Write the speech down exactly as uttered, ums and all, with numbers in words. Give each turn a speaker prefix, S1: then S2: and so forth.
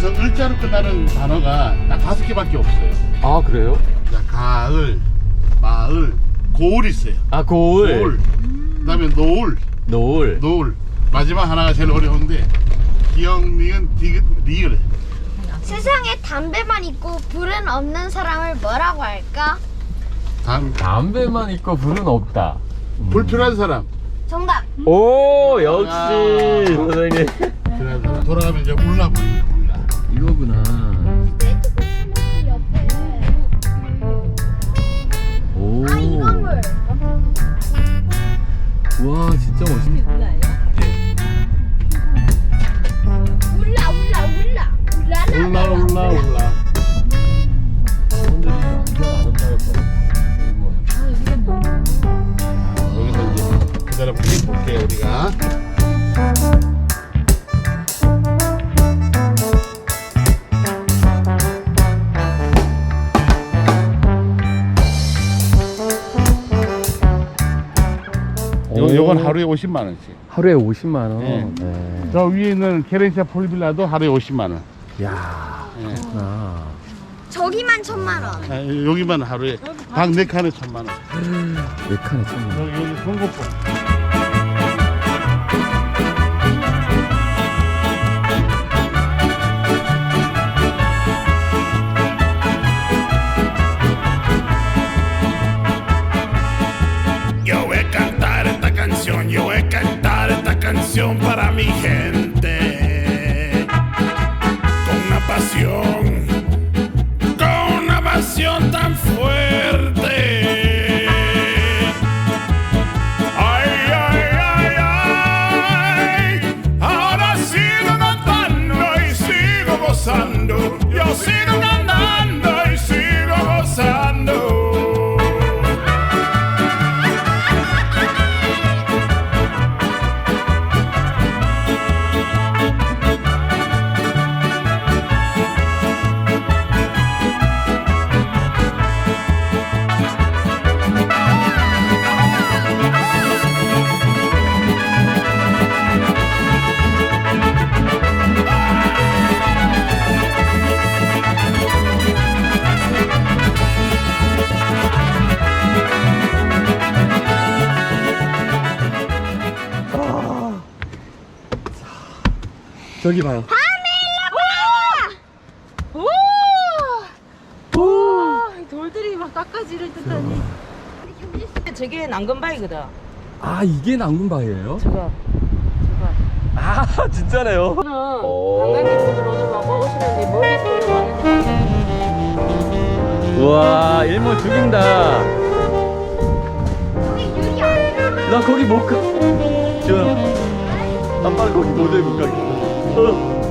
S1: 여기서 을자로 끝나는 단어가 딱 다섯 개밖에 없어요.
S2: 아 그래요?
S1: 자, 가을, 마을, 고을 있어요.
S2: 아 고을,
S1: 고을. 그다음에 노을,
S2: 노을.
S1: 노을. 마지막 하나가 제일 어려운데 기억, 니은, 디귿, 리을.
S3: 세상에 담배만 있고 불은 없는 사람을 뭐라고 할까?
S1: 다음
S2: 담배만 있고 불은 없다.
S1: 불편한 사람.
S3: 정답.
S2: 오 역시
S1: 아.
S2: 선생님.
S1: 불편한 사람. 돌아가면 이제 울라 보이네. 울라.
S2: 이거구나.
S3: 옆에.
S2: 오.
S3: 아 이거물.
S2: 와 진짜 멋있네.
S3: 울라 울라 울라 울라라.
S1: 울라 울라 울라.
S2: 분들이 완전 아름다울 거예요.
S1: 여기서 이제 그대로 그림 볼게요 우리가. 요, 요건 하루에 오십만 원씩.
S2: 하루에 오십만 원.
S1: 네.
S2: 네.
S1: 저 위에 있는 케렌시아 폴빌라도 하루에 오십만 원.
S2: 야.
S1: 예.
S2: 나.
S3: 저기만 천만 원.
S1: 아, 여기만 하루에 방 네 칸에 천만 원.
S2: 네 칸에 천만 원.
S1: 여기 여기 송곳포.
S4: Yo voy a cantar esta canción, yo voy a cantar esta canción para mi gente. Con una pasión, con una pasión tan fuerte. Ay, ay, ay, ay. Ahora sigo cantando y sigo gozando. Yo sigo cantando y sigo gozando.
S2: 저기 봐요.
S5: 오! 오! 돌들이 막 깎아지를 듯하니. 저게 난건바이거든.
S2: 아 이게 낭군바위예요?
S5: 저거. 저거.
S2: 아 진짜네요.
S5: 저는
S2: 오.
S5: 관광객분들 오늘 막 먹으시는데 멀리서 왔는데.
S2: 우와 일몰 죽인다.
S3: 여기 유리 아니야?
S2: 나 거기 못 가. 지금 아빠는 거기 모델 못 가겠어. 어.